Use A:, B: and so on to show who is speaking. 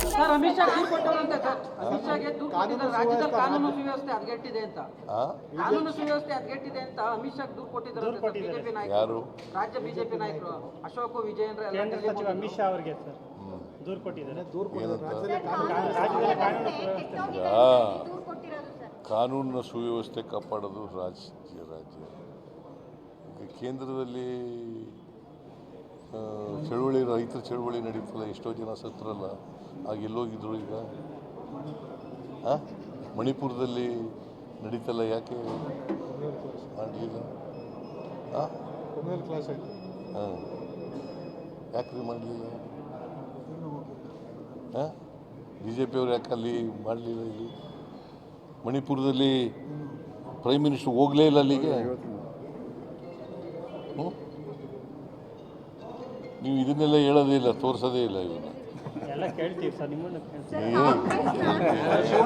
A: Sir Amit Shah ದೂರು ಕೊಟ್ಟವರಂತೆ sir Amit ಶಾಗೆ ದೂರು ಕೊಟ್ಟಿದ್ದಾರೆ ರಾಜ್ಯದಲ್ಲಿ ಕಾನೂನು ಸುವ್ಯವಸ್ಥೆ ಹದಗೆಟ್ಟಿದೆ ಅಂತ ಕಾನೂನು ಸುವ್ಯವಸ್ಥೆ ಹದಗೆಟ್ಟಿದೆ ಅಂತ ಅಮಿತ್ ಶಾ ದೂರು ಕೊಟ್ಟಿದ್ದಾರೆ ಬಿಜೆಪಿ ನಾಯಕರು ರಾಜ್ಯ ಬಿಜೆಪಿ ನಾಯಕರು ಅಶೋಕ್ ವಿಜಯೇಂದ್ರ
B: ಕೇಂದ್ರ ಸಚಿವ ಅಮಿತ್ ಶಾ ಅವರಿಗೆ ಸರ್ ದೂರು ಕೊಟ್ಟಿದ್ದಾರೆ
C: ಕಾನೂನಿನ ಸುವ್ಯವಸ್ಥೆ ಕಾಪಾಡೋದು ರಾಜ್ಯ ಈಗ ಕೇಂದ್ರದಲ್ಲಿ ಚಳುವಳಿ ರೈತರ ಚಳುವಳಿ ನಡೀತಲ್ಲ, ಎಷ್ಟೋ ಜನ ಸತ್ರಲ್ಲ, ಆಗ ಎಲ್ಲೋಗಿದ್ರು ಈಗ ಮಣಿಪುರದಲ್ಲಿ ನಡೀತಲ್ಲ, ಯಾಕೆ ಮಾಡಲಿಲ್ಲ? ಯಾಕ್ರಿ ಮಾಡಲಿಲ್ಲ? ಬಿ ಜೆ ಪಿಯವ್ರು ಯಾಕೆ ಅಲ್ಲಿ ಮಾಡಲಿಲ್ಲ? ಇಲ್ಲಿ ಮಣಿಪುರದಲ್ಲಿ ಪ್ರೈಮ್ ಮಿನಿಸ್ಟರ್ ಹೋಗಲೇ ಇಲ್ಲ ಅಲ್ಲಿಗೆ. ನೀವು ಇದನ್ನೆಲ್ಲ ಹೇಳೋದೇ ಇಲ್ಲ, ತೋರಿಸೋದೇ ಇಲ್ಲ ಇವನ್ನ.
B: ಎಲ್ಲ ಕೇಳ್ತೀವಿ ಸರ್, ನಿಮ್ಮನ್ನು